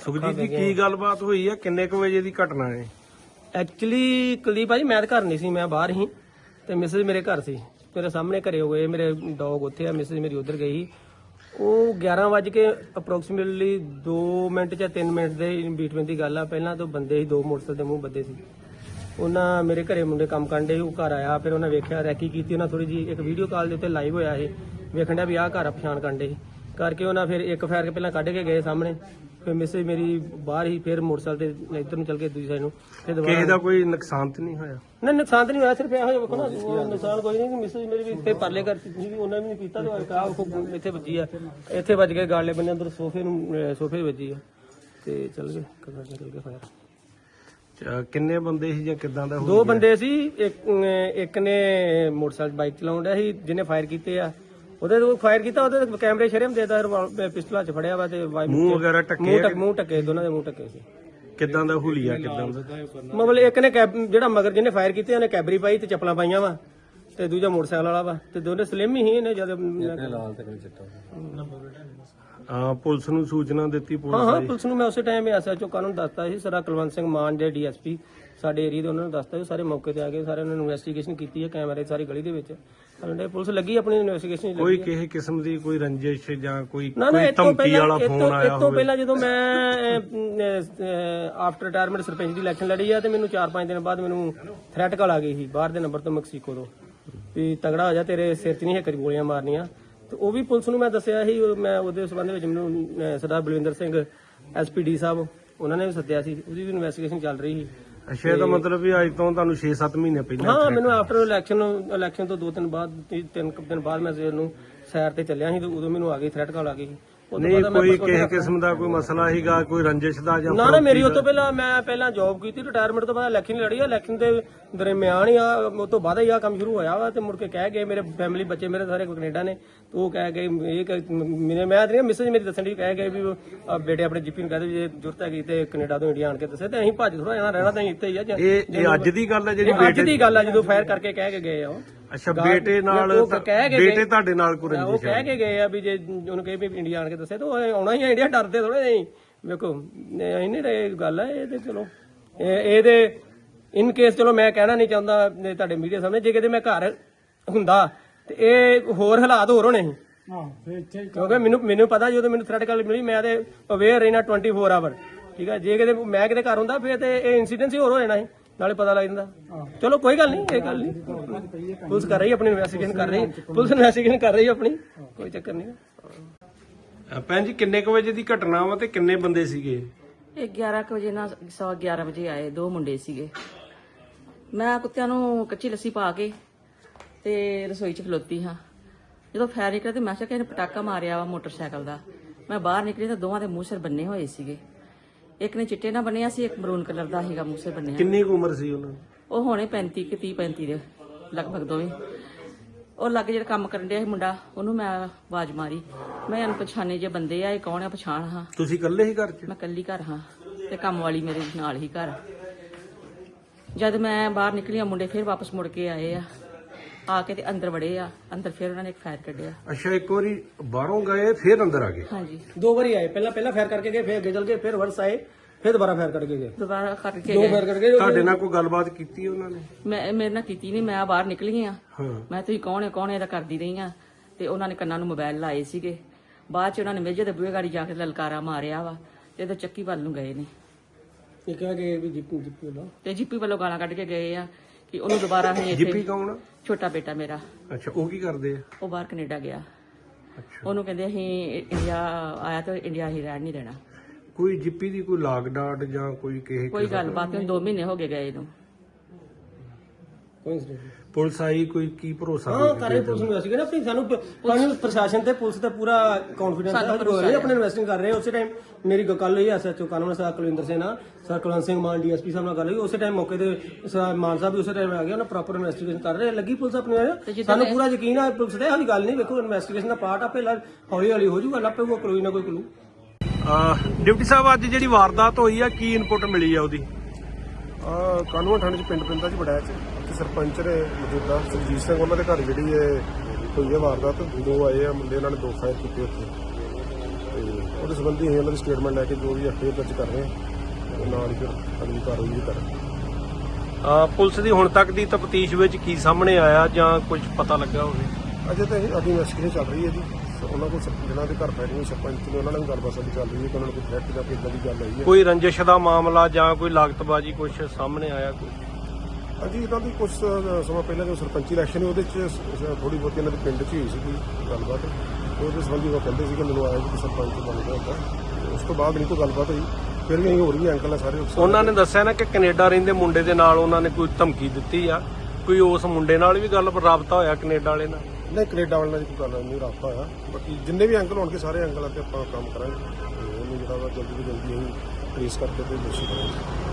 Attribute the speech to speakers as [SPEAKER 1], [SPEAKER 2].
[SPEAKER 1] ਸੁਖਜੀਤ ਜੀ ਕੀ ਗੱਲਬਾਤ ਹੋਈ ਆ? ਕਿੰਨੇ ਕੁ ਵਜੇ ਦੀ ਘਟਨਾ ਹੈ?
[SPEAKER 2] ਐਕਚੁਅਲੀ ਕੁਲਦੀਪ ਭਾਜੀ ਮੈਂ ਤਾਂ ਘਰ ਨਹੀਂ ਸੀ, ਮੈਂ ਬਾਹਰ ਸੀ ਤੇ ਮਿਸਿਸ ਮੇਰੇ ਘਰ ਸੀ। ਮੇਰੇ ਸਾਹਮਣੇ ਘਰੇ ਹੋਏ, ਮੇਰੇ ਡੌਗ ਉੱਥੇ ਆ, ਮਿਸਿਸ ਮੇਰੀ ਉਧਰ ਗਈ। ਉਹ 11 ਵਜੇ ਕੇ ਅਪਰੋਕਸੀਮੇਟਲੀ 2 ਮਿੰਟ ਜਾਂ 3 ਮਿੰਟ ਦੇ ਬੀਟਵੀਨ ਦੀ ਗੱਲ ਆ। ਪਹਿਲਾਂ ਤੋਂ ਬੰਦੇ ਸੀ, 2 ਮੋਟਰਸਾਈਕਲ ਦੇ ਮੂੰਹ ਬੱਦੇ ਸੀ। ਉਹਨਾਂ ਮੇਰੇ ਘਰੇ ਮੁੰਡੇ ਕੰਮ ਕਰਨ ਦੇ, ਉਹ ਘਰ ਆਇਆ, ਫਿਰ ਉਹਨਾਂ ਵੇਖਿਆ, ਰੈਕੀ ਕੀਤੀ ਉਹਨਾਂ ਥੋੜੀ ਜੀ, ਇੱਕ ਵੀਡੀਓ ਕਾਲ ਦੇ ਉੱਤੇ ਲਾਈਵ ਹੋਇਆ ਇਹ, ਵੇਖਣ ਡਿਆ ਵੀ ਆਹ ਘਰ ਆ, ਪਛਾਣ ਕਰਨ ਦੇ ਕਰਕੇ ਉਹਨਾਂ ਫਿਰ ਇੱਕ ਫਾਇਰ ਕੇ ਪਹਿਲਾਂ ਕੱਢ ਕੇ ਗਏ ਸਾਹਮਣੇ। ਫਿਰ ਮਿਸਿਸ ਮੇਰੀ ਬਾਹਰ ਹੀ, ਫਿਰ ਮੋਟਰਸਾਈਕਲ ਤੇ ਇੱਧਰ ਨੂੰ ਚੱਲ ਕੇ ਦੂਜੀ ਸਾਈਡ ਨੂੰ। ਫਿਰ
[SPEAKER 1] ਕਿਸੇ ਦਾ ਕੋਈ ਨੁਕਸਾਨ ਤੇ ਨਹੀਂ ਹੋਇਆ?
[SPEAKER 2] ਨਹੀਂ, ਨੁਕਸਾਨ ਤਾਂ ਨਹੀਂ ਹੋਇਆ, ਸਿਰਫ ਇਹੋ ਵੇਖੋ ਨਾ, ਉਹ ਨੁਕਸਾਨ ਕੋਈ ਨਹੀਂ। ਮਿਸਿਸ ਮੇਰੀ ਵੀ ਇੱਥੇ ਪਰਲੇ ਘਰ ਸੀ, ਉਹਨਾਂ ਵੀ ਨਹੀਂ ਪੀਤਾ ਤੇ ਆਹ ਇੱਥੇ ਵੱਜੀ ਆ, ਇੱਥੇ ਵੱਜ ਕੇ ਗਾਲੇ ਬੰਨੇ ਅੰਦਰ ਸੋਫੇ ਵੱਜੀ ਆ ਤੇ ਚੱਲ ਗਏ ਕਮਰੇ ਨਿਕਲ ਕੇ ਫਾਇਰ।
[SPEAKER 1] ਕਿੰਨੇ ਬੰਦੇ ਸੀ ਜਾਂ ਕਿਦਾਂ ਦਾ?
[SPEAKER 2] 2 ਬੰਦੇ ਸੀ। ਇੱਕ ਨੇ ਮੋਟਰਸਾਈਕਲ ਬਾਈਕ ਚਲਾਉਣ ਡਿਆ ਸੀ, ਜਿਹਨੇ ਫਾਇਰ ਕੀਤੇ ਆ। ਉਹਦੇ ਤੋਂ ਫਾਇਰ ਕੀਤਾ, ਉਹਦੇ ਕੈਮਰੇ ਸ਼ਰਮ ਦੇਦਾ, ਪਿਸਟਲ ਚ ਫੜਿਆ ਵਾ ਤੇ
[SPEAKER 1] ਮੂੰਹ ਵਗੈਰਾ ਟੱਕੇ?
[SPEAKER 2] ਮੂੰਹ ਟੱਕੇ, ਦੋਨਾਂ ਦੇ ਮੂੰਹ ਟੱਕੇ ਸੀ।
[SPEAKER 1] ਕਿਦਾਂ ਦਾ ਹੁਲੀਆ? ਕਿਦਾਂ ਦਾ
[SPEAKER 2] ਮਤਲਬ ਇੱਕ ਨੇ ਜਿਹੜਾ ਮਗਰ ਜਿਹਨੇ ਫਾਇਰ ਕੀਤੇ ਉਹਨੇ ਕੈਬਰੀ ਪਾਈ ਤੇ ਚੱਪਲਾਂ ਪਾਈਆਂ ਵਾ, ਤੇ ਦੂਜਾ ਮੋਟਰਸਾਈਕਲ ਵਾਲਾ ਵਾ, ਤੇ ਦੋਨੇ ਸਲਿਮ ਹੀ ਇਹਨੇ ਜਦ
[SPEAKER 1] ਪੁਲਿਸ ਨੂੰ ਸੂਚਨਾ ਦਿੱਤੀ?
[SPEAKER 2] ਹਾਂ, ਪੁਲਿਸ ਨੂੰ ਮੈਂ ਉਸੇ ਟਾਈਮ ਐਸਐਚਓ ਕਾਨੂੰਨ ਦੱਸਤਾ ਸੀ, ਸਰ ਕੁਲਵੰਤ ਸਿੰਘ ਮਾਨ ਦੇ ਡੀਐਸਪੀ ਸਾਡੇ ਏਰੀਆ ਦੇ, ਉਹਨਾਂ ਨੂੰ ਦੱਸਤਾ ਸੀ। ਸਾਰੇ ਮੌਕੇ ਤੇ ਆ ਗਏ, ਸਾਰੇ ਉਹਨਾਂ ਨੇ ਇਨਵੈਸਟੀਗੇਸ਼ਨ ਕੀਤੀ ਹੈ, ਕੈਮਰੇ ਸਾਰੀ ਗਲੀ ਦੇ ਵਿੱਚ ਪੁਲਿਸ ਲੱਗੀ ਆਪਣੀ ਇਨਵੈਸਟੀਗੇਸ਼ਨ।
[SPEAKER 1] ਕੋਈ ਕਿਸੇ ਕਿਸਮ ਦੀ ਕੋਈ ਰੰਜਿਸ਼ ਜਾਂ ਕੋਈ ਧਮਕੀ ਵਾਲਾ ਫੋਨ ਆਇਆ
[SPEAKER 2] ਇਸ ਤੋਂ ਪਹਿਲਾਂ ਜਦੋਂ ਮੈਂ ਆਫਟਰ ਰਿਟਾਇਰਮੈਂਟ ਸਰਪੰਚ ਦੀ ਇਲੈਕਸ਼ਨ ਲੜੀ ਆ, ਤੇ ਮੈਨੂੰ 4-5 ਦਿਨ ਬਾਅਦ ਮੈਨੂੰ ਥ੍ਰੈਟ ਕਾਲ ਆ ਗਈ ਸੀ ਬਾਹਰ ਦੇ ਨੰਬਰ ਤੋਂ, ਮੈਕਸੀਕੋ ਤੋਂ, ਵੀ ਤਗੜਾ ਹੋ ਜਾ, ਤੇਰੇ ਸਿਰ 'ਚ ਨਹੀਂ ਇੱਕ ਗੋਲੀਆਂ ਮਾਰਨੀਆਂ। ਤੇ ਉਹ ਵੀ ਪੁਲਿਸ ਨੂੰ ਮੈਂ ਦੱਸਿਆ ਸੀ। ਮੈਂ ਉਹਦੇ ਸੰਬੰਧ ਵਿੱਚ ਮੈਨੂੰ ਸਰਦਾਰ ਬਲਵਿੰਦਰ ਸਿੰਘ ਐਸਪੀਡੀ ਸਾਹਿਬ, ਉਹਨਾਂ ਨੇ ਵੀ ਸੱਦਿਆ ਸੀ, ਉਹਦੀ ਵੀ ਇਨਵੈਸਟੀਗੇਸ਼ਨ ਚੱਲ ਰਹੀ ਸੀ।
[SPEAKER 1] ਅੱਛਾ, ਇਹਦਾ ਮਤਲਬ ਵੀ ਅੱਜ ਤੋਂ ਤੁਹਾਨੂੰ 6-7 ਮਹੀਨੇ ਪਹਿਲਾਂ?
[SPEAKER 2] ਹਾਂ, ਮੈਨੂੰ ਆਫਟਰ ਇਲੈਕਸ਼ਨ ਤੋਂ 2 ਦਿਨ ਬਾਅਦ, 3 ਦਿਨ ਬਾਅਦ ਮੈਂ ਸਵੇਰ ਨੂੰ ਸੈਰ ਤੇ ਚੱਲਿਆ ਸੀ, ਤੇ ਉਦੋਂ ਮੈਨੂੰ ਆ ਗਈ ਥ੍ਰੈਟ ਕਾਲ ਆ ਗਈ।
[SPEAKER 1] ਨਹੀਂ ਕੋਈ ਕਿਸੇ ਕਿਸਮ ਦਾ ਕੋਈ ਮਸਲਾ ਸੀਗਾ, ਕੋਈ ਰੰਜਿਸ਼ ਦਾ ਜਾਂ?
[SPEAKER 2] ਨਾ, ਮੇਰੀ ਉਹ ਤੋਂ ਪਹਿਲਾਂ ਮੈਂ ਜੌਬ ਕੀਤੀ, ਰਿਟਾਇਰਮੈਂਟ ਤੋਂ ਬਾਅਦ ਇਲੈਕਸ਼ਨ ਲੜੀ ਆ। ਇਲੈਕਸ਼ਨ ਦੇ ਦਰਮਿਆਨ ਹੀ ਆ, ਉਸ ਤੋਂ ਬਾਅਦ ਹੀ ਆ ਕੰਮ ਸ਼ੁਰੂ ਹੋਇਆ ਵਾ। ਤੇ ਮੁੜ ਕੇ ਕਹਿ ਗਏ ਮੇਰੇ ਫੈਮਿਲੀ, ਬੱਚੇ ਮੇਰੇ ਸਾਰੇ ਕੈਨੇਡਾ ਨੇ, ਉਹ ਕਹਿ ਗਏ ਮੈਂ ਮਿਸਿਸ ਮੇਰੀ ਦੱਸਣ ਦੀ ਕਹਿ ਗਏ ਵੀ ਬੇਟੇ ਆਪਣੇ ਜੀਪੀ ਨੂੰ ਕਹਦੇ ਜੇ ਜ਼ਰੂਰਤ ਹੈਗੀ ਤੇ ਕੈਨੇਡਾ ਤੋਂ ਇੰਡੀਆ ਆਣ ਕੇ ਦੱਸੇ, ਤੇ ਅਸੀਂ ਭੱਜ ਥੋੜਾ ਜਾਣਾ, ਰਹਿਣਾ ਤਾਂ ਇੱਥੇ ਹੀ ਆ।
[SPEAKER 1] ਇਹ ਅੱਜ ਦੀ ਗੱਲ ਹੈ ਜਿਹੜੀ?
[SPEAKER 2] ਅੱਜ ਦੀ ਗੱਲ ਆ, ਜਦੋਂ ਫਾਇਰ ਕਰਕੇ ਕਹਿ ਕੇ ਗਏ ਆ ਉਹ।
[SPEAKER 1] ਅੱਛਾ, ਬੇਟੇ ਨਾਲ? ਬੇਟੇ ਤੁਹਾਡੇ ਨਾਲ ਕੋਈ ਰੰਜਿਸ਼?
[SPEAKER 2] ਉਹ ਕਹਿ ਕੇ ਗਏ ਆ ਵੀ ਜੇ ਉਹਨੂੰ ਕਹੇ ਵੀ ਇੰਡੀਆ ਆਣ ਕੇ ਦੱਸੇ, ਤਾਂ ਆਉਣਾ ਹੀ ਆ ਇੰਡੀਆ, ਡਰਦੇ ਥੋੜੇ ਨਹੀਂ। ਵੇਖੋ ਇੰਨੀ ਇਹ ਗੱਲ ਹੈ, ਇਹ ਤੇ ਚਲੋ ਇਹਦੇ ਇਨ ਕੇਸ, ਚਲੋ ਮੈਂ ਕਹਿਣਾ ਨਹੀਂ ਚਾਹੁੰਦਾ ਤੁਹਾਡੇ ਮੀਡੀਆ ਸਾਹਮਣੇ, ਜੇ ਕਿਤੇ ਮੈਂ ਘਰ ਹੁੰਦਾ ਤੇ ਇਹ ਹੋਰ ਹਾਲਾਤ ਹੋਰ ਹੋਣੇ ਸੀ। ਕਿਉਂਕਿ ਮੈਨੂੰ ਪਤਾ ਜਦੋਂ ਮੈਨੂੰ ਥ੍ਰੈਟ ਕਾਲ ਮਿਲੀ, ਮੈਂ ਤੇ ਅਵੇਅਰ ਰਹਿਣਾ 24 ਆਵਰ, ਠੀਕ ਹੈ। ਜੇ ਕਿਤੇ ਮੈਂ ਕਿਤੇ ਘਰ ਹੁੰਦਾ ਫਿਰ ਤੇ ਇਹ ਇਨਸੀਡੈਂਟ ਹੀ ਹੋਰ ਹੋ ਜਾਣਾ ਸੀ, ਨਾਲੇ ਪਤਾ ਲੱਗ ਜਾਂਦਾ। ਚਲੋ ਕੋਈ ਗੱਲ ਨਹੀਂ, ਇਹ ਗੱਲ ਨਹੀਂ, ਪੁਲਿਸ ਕਰ ਰਹੀ ਆਪਣੀ ਇਨਵੈਸਟੀਗੇਸ਼ਨ ਕਰ ਰਹੀ, ਪੁਲਿਸ ਇਨਵੈਸਟੀਗੇਸ਼ਨ ਕਰ ਰਹੀ ਆਪਣੀ, ਕੋਈ ਚੱਕਰ ਨਹੀਂ।
[SPEAKER 1] ਭੈਣ ਜੀ, ਕਿੰਨੇ ਕੁ ਵਜੇ ਦੀ ਘਟਨਾ ਵਾ ਤੇ ਕਿੰਨੇ ਬੰਦੇ ਸੀਗੇ?
[SPEAKER 3] ਇਹ 11 ਵਜੇ ਨਾਲ 11 ਵਜੇ ਆਏ, 2 ਮੁੰਡੇ ਸੀਗੇ। ਮੈਂ ਕੁੱਤਿਆਂ ਨੂੰ ਕੱਚੀ ਲੱਸੀ ਪਾ ਕੇ ਤੇ ਰਸੋਈ 'ਚ ਖਲੋਤੀ ਹਾਂ। ਜਦੋਂ ਫਾਇਰ ਨਿਕਲਿਆ ਤੇ ਮੈਂ ਕਿਹਾ ਕਿ ਇਹਨੇ ਪਟਾਕਾ ਮਾਰਿਆ ਵਾ ਮੋਟਰਸਾਈਕਲ ਦਾ। ਮੈਂ ਬਾਹਰ ਨਿਕਲੀ ਤਾਂ ਦੋਵਾਂ ਦੇ ਮੂੰਹ ਸਿਰ ਬੰਨੇ ਹੋਏ ਸੀਗੇ। ਇੱਕ ਨੇ ਚਿੱਟੇ ਨਾਲ ਬੰਨਿਆ ਸੀ, ਇੱਕ ਮਰੂਨ ਕਲਰ ਦਾ ਸੀਗਾ ਮੂੰਹ ਸਿਰ ਬੰਨਿਆ।
[SPEAKER 1] ਕਿੰਨੀ ਉਮਰ ਸੀ ਉਹਨਾਂ ਦੀ?
[SPEAKER 3] ਉਹ ਹੋਣੇ 35 ਦੇ ਲਗਭਗ ਦੋਵੇਂ। ਉਹ ਲੱਗ ਜਿਹੜਾ ਕੰਮ ਕਰਨ ਡਿਆ ਸੀ ਮੁੰਡਾ, ਉਹਨੂੰ ਮੈਂ ਆਵਾਜ਼ ਮਾਰੀ, ਮੈਂ ਅਣਪਛਾਣੇ ਜੇ ਬੰਦੇ ਆ, ਇਹ ਕੌਣ ਆ, ਪਛਾਣ ਹਾਂ।
[SPEAKER 1] ਤੁਸੀਂ ਇਕੱਲੇ ਹੀ ਘਰ 'ਚ?
[SPEAKER 3] ਮੈਂ ਇਕੱਲੀ ਘਰ ਹਾਂ, ਤੇ ਕੰਮ ਵਾਲੀ ਮੇਰੇ ਨਾਲ ਹੀ ਘਰ। ਜਦ ਮੈਂ ਬਾਹਰ ਨਿਕਲੀ, ਮੁੰਡੇ ਫਿਰ ਵਾਪਸ ਮੁੜ ਕੇ ਆਏ ਆ ਕੇ ਤੇ ਅੰਦਰ ਵੜੇ ਆ। ਅੰਦਰ ਫਿਰ ਉਹਨਾਂ ਨੇ ਇੱਕ ਫਾਇਰ ਕੱਢਿਆ।
[SPEAKER 1] ਅੱਛਾ, ਇੱਕ ਵਾਰੀ ਬਾਹਰੋਂ ਗਏ ਫਿਰ ਅੰਦਰ ਆ ਗਏ?
[SPEAKER 3] ਹਾਂਜੀ,
[SPEAKER 2] 2 ਵਾਰੀ ਆਏ। ਪਹਿਲਾਂ ਫਾਇਰ ਕਰਕੇ ਗਏ, ਫਿਰ ਅੱਗੇ ਚੱਲ ਗਏ, ਫਿਰ ਵਰਸ ਆਏ, ਫਿਰ ਦੁਬਾਰਾ ਫਾਇਰ ਕਰਕੇ ਗਏ।
[SPEAKER 3] ਦੁਬਾਰਾ ਕਰਕੇ
[SPEAKER 2] 2 ਫਾਇਰ ਕਰਕੇ ਗਏ।
[SPEAKER 1] ਤੁਹਾਡੇ ਨਾਲ ਕੋਈ ਗੱਲਬਾਤ ਕੀਤੀ ਉਹਨਾਂ ਨੇ?
[SPEAKER 3] ਮੇਰੇ ਨਾਲ ਕੀਤੀ ਨਹੀਂ, ਮੈਂ ਬਾਹਰ ਨਿਕਲੀ ਆ।
[SPEAKER 1] ਹਾਂ,
[SPEAKER 3] ਮੈਂ ਤੁਸੀਂ ਕੌਣ ਹੈ ਇਹਦਾ ਕਰਦੀ ਰਹੀ ਆ। ਤੇ ਉਹਨਾਂ ਨੇ ਕੰਨਾਂ ਨੂੰ ਮੋਬਾਈਲ ਲਾਏ ਸੀਗੇ। ਬਾਅਦ ਚ ਉਹਨਾਂ ਨੇ ਮੇਜੇ ਦੇ ਬੂਹੇ ਗਾੜੀ ਜਾ ਕੇ ਲਲਕਾਰਾ ਮਾਰਿਆ ਵਾ, ਤੇ ਇਹਦੇ ਚੱਕੀ ਵੱਲ ਨੂੰ ਗਏ ਨੇ।
[SPEAKER 2] ਇਹ ਕਹਿ ਗਏ ਵੀ ਜੀਪੀ ਵੱਲੋਂ,
[SPEAKER 3] ਤੇ ਜੀਪੀ ਵੱਲੋਂ ਗਾਲਾਂ ਕੱਢ ਕੇ ਗਏ ਆ ਕਿ ਉਹਨੂੰ ਦੁਬਾਰਾ ਅਸੀਂ
[SPEAKER 1] ਜੀਪੀ ਕੌਣ?
[SPEAKER 3] ਛੋਟਾ ਬੇਟਾ ਮੇਰਾ।
[SPEAKER 1] ਅੱਛਾ, ਉਹ ਕੀ ਕਰਦੇ ਆ?
[SPEAKER 3] ਉਹ ਬਾਹਰ ਕੈਨੇਡਾ ਗਿਆ।
[SPEAKER 1] ਅੱਛਾ,
[SPEAKER 3] ਉਹਨੂੰ ਕਹਿੰਦੇ ਅਸੀਂ ਇੰਡੀਆ ਆਇਆ ਤੇ ਇੰਡੀਆ ਹੀ ਰਹਿਣ ਨਹੀਂ ਦੇਣਾ।
[SPEAKER 1] ਕੋਈ ਜੀਪੀ ਦੀ ਕੋਈ ਲਾਗ ਡਾਟ ਜਾਂ ਕੋਈ ਕਿਸੇ
[SPEAKER 3] ਕੋਈ ਗੱਲਬਾਤ ਨਹੀਂ, 2 ਮਹੀਨੇ ਹੋ ਗਏ ਗਏ ਨੂੰ।
[SPEAKER 1] ਪੁਲਿਸ ਆਈ, ਕੋਈ ਕੀ ਭਰੋਸਾ?
[SPEAKER 2] ਹਾਂ, ਕਰੇ ਪੁਲਿਸ ਨੂੰ ਅਸੀਂ ਕਹਿੰਦੇ ਸਾਨੂੰ ਪ੍ਰਸ਼ਾਸਨ ਤੇ ਪੁਲਿਸ ਤੇ ਪੂਰਾ ਕੌਨਫੀਡੈਂਸ ਹੈ, ਆਪਣੇ ਇਨਵੈਸਟਿੰਗ ਕਰ ਰਹੇ। ਉਸੇ ਟਾਈਮ ਮੇਰੀ ਗੱਲ ਹੋਈ ਐਸਐਚਓ ਕਾਨੂੰਨ ਸਰ ਕੁਲਵਿੰਦਰ ਸਿੰਘ ਨਾਲ, ਸਰ ਕੁਲਵੰਤ ਸਿੰਘ ਮਾਨ ਡੀਐਸਪੀ ਸਾਹਿਬ ਨਾਲ ਗੱਲ ਹੋਈ। ਉਸੇ ਟਾਈਮ ਮੌਕੇ ਤੇ ਮਾਨ ਸਾਹਿਬ ਵੀ ਉਸੇ ਟਾਈਮ ਆ ਗਏ, ਉਹਨਾਂ ਪ੍ਰੋਪਰ ਇਨਵੈਸਟੀਗੇਸ਼ਨ ਕਰ ਰਹੇ, ਲੱਗੀ ਪੁਲਿਸ ਆਪਣੀ। ਸਾਨੂੰ ਪੂਰਾ ਯਕੀਨ ਹੈ ਪੁਲਿਸ ਤੇ, ਇਹੋ ਗੱਲ ਨਹੀਂ। ਵੇਖੋ, ਇਨਵੈਸਟੀਗੇਸ਼ਨ ਦਾ ਪਾਰਟ ਆਪੇ ਹੌਲੀ ਹੌਲੀ ਹੋ ਜਾਊਗਾ, ਲੱਭੇਗਾ ਕੋਈ ਨਾ ਕੋਈ ਕਲੂ।
[SPEAKER 1] ਡਿਪਟੀ ਸਾਹਿਬ, ਅੱਜ ਜਿਹੜੀ ਵਾਰਦਾਤ ਹੋਈ ਆ, ਕੀ ਇਨਪੁਟ ਮਿਲੀ ਆ ਉਹਦੀ?
[SPEAKER 4] ਕਾਨੂੰਨ ਥਾਣੇ 'ਚ ਪਿੰਡ ਪਿੰਦਾ 'ਚ ਬੜਾਇਆ 'ਚ ਸਰਪੰਚ ਨੇ ਮੌਜੂਦਾ ਸੁਰਜੀਤ ਸਿੰਘ, ਉਹਨਾਂ ਦੇ ਘਰ ਜਿਹੜੀ ਹੋਈ ਹੈ ਵਾਰਦਾਤ। 2 ਆਏ ਆ ਮੁੰਡੇ, ਉਹਨਾਂ ਨੇ 2 ਫਾਇਰ ਕੀਤੇ ਉੱਥੇ। ਤੇ ਉਹਦੇ ਸੰਬੰਧੀ ਅਸੀਂ ਉਹਨਾਂ ਦੀ ਸਟੇਟਮੈਂਟ ਲੈ ਕੇ ਜੋ ਵੀ ਐਫਆਈਆਰ ਦਰਜ ਕਰ ਰਹੇ ਹਾਂ ਤੇ ਨਾਲ ਹੀ ਫਿਰ ਅਗਲੀ ਕਾਰਵਾਈ ਵੀ ਕਰਾਂਗੇ।
[SPEAKER 1] ਪੁਲਿਸ ਦੀ ਹੁਣ ਤੱਕ ਦੀ ਤਫਤੀਸ਼ ਵਿੱਚ ਕੀ ਸਾਹਮਣੇ ਆਇਆ ਜਾਂ ਕੁਝ ਪਤਾ ਲੱਗਾ ਹੋਵੇ?
[SPEAKER 4] ਅਜੇ ਤਾਂ ਇਹ ਸਾਡੀ ਇਨਵੈਸਟੀਗੇਸ਼ਨ ਚੱਲ ਰਹੀ ਹੈ ਜੀ। ਉਹਨਾਂ ਕੋਲ ਜਿਹਨਾਂ ਦੇ ਘਰ ਬੈਠੇ ਸਰਪੰਚ ਨੇ ਉਹਨਾਂ ਨਾਲ ਵੀ ਗੱਲਬਾਤ ਸਾਡੀ ਚੱਲ ਰਹੀ ਹੈ ਕਿ ਉਹਨਾਂ ਨੂੰ ਕੋਈ ਥ੍ਰੈਟ ਜਾਂ ਕਿੱਦਾਂ ਦੀ ਗੱਲ ਆਈ ਹੈ।
[SPEAKER 1] ਕੋਈ ਰੰਜਿਸ਼ ਦਾ ਮਾਮਲਾ ਜਾਂ ਕੋਈ ਲਾਗਤਬਾਜ਼ੀ ਕੁਝ ਸਾਹਮਣੇ ਆਇਆ ਕੋਈ?
[SPEAKER 4] ਹਾਂਜੀ, ਇਹਨਾਂ ਦੀ ਕੁਝ ਸਮਾਂ ਪਹਿਲਾਂ ਜੋ ਸਰਪੰਚੀ ਇਲੈਕਸ਼ਨ ਸੀ ਉਹਦੇ 'ਚ ਥੋੜੀ ਬਹੁਤੀ ਇਹਨਾਂ ਦੇ ਪਿੰਡ 'ਚ ਹੀ ਹੋਈ ਸੀ ਕੋਈ ਗੱਲਬਾਤ। ਉਹਦੇ ਸੰਬੰਧੀ ਉਹ ਕਹਿੰਦੇ ਸੀ ਕਿ ਮੈਨੂੰ ਆਇਆ ਕਿ ਸਰਪੰਚ ਬਣ ਗਿਆ ਹੁੰਦਾ। ਉਸ ਤੋਂ ਬਾਅਦ ਨਹੀਂ ਕੋਈ ਗੱਲਬਾਤ ਹੋਈ। ਫਿਰ ਵੀ ਅਸੀਂ ਹੋਰ ਵੀ ਅੰਕਲ ਆ ਸਾਰੇ
[SPEAKER 1] ਉਹਨਾਂ ਨੇ ਦੱਸਿਆ ਨਾ ਕਿ ਕੈਨੇਡਾ ਰਹਿੰਦੇ ਮੁੰਡੇ ਦੇ ਨਾਲ ਉਹਨਾਂ ਨੇ ਕੋਈ ਧਮਕੀ ਦਿੱਤੀ ਆ, ਕੋਈ ਉਸ ਮੁੰਡੇ ਨਾਲ ਵੀ ਗੱਲ ਰਾਬਤਾ ਹੋਇਆ ਕੈਨੇਡਾ ਵਾਲੇ ਨਾਲ?
[SPEAKER 4] ਨਹੀਂ, ਕੈਨੇਡਾ ਵਾਲਿਆਂ ਦੀ ਕੋਈ ਗੱਲ ਨਹੀਂ, ਰਾਬਤਾ ਹੋਇਆ। ਬਾਕੀ ਜਿੰਨੇ ਵੀ ਅੰਕਲ ਹੋਣਗੇ ਸਾਰੇ ਅੰਕਲਾਂ ਤੇ ਆਪਾਂ ਕੰਮ ਕਰਾਂਗੇ। ਉਹਨੂੰ ਜਿਹੜਾ ਵਾ ਜਲਦੀ ਤੋਂ ਜਲਦੀ ਅਸੀਂ ਟ੍ਰੇਸ ਕਰਕੇ ਤੇ ਦੋਸ਼ੀ ਕਰਾਂਗੇ।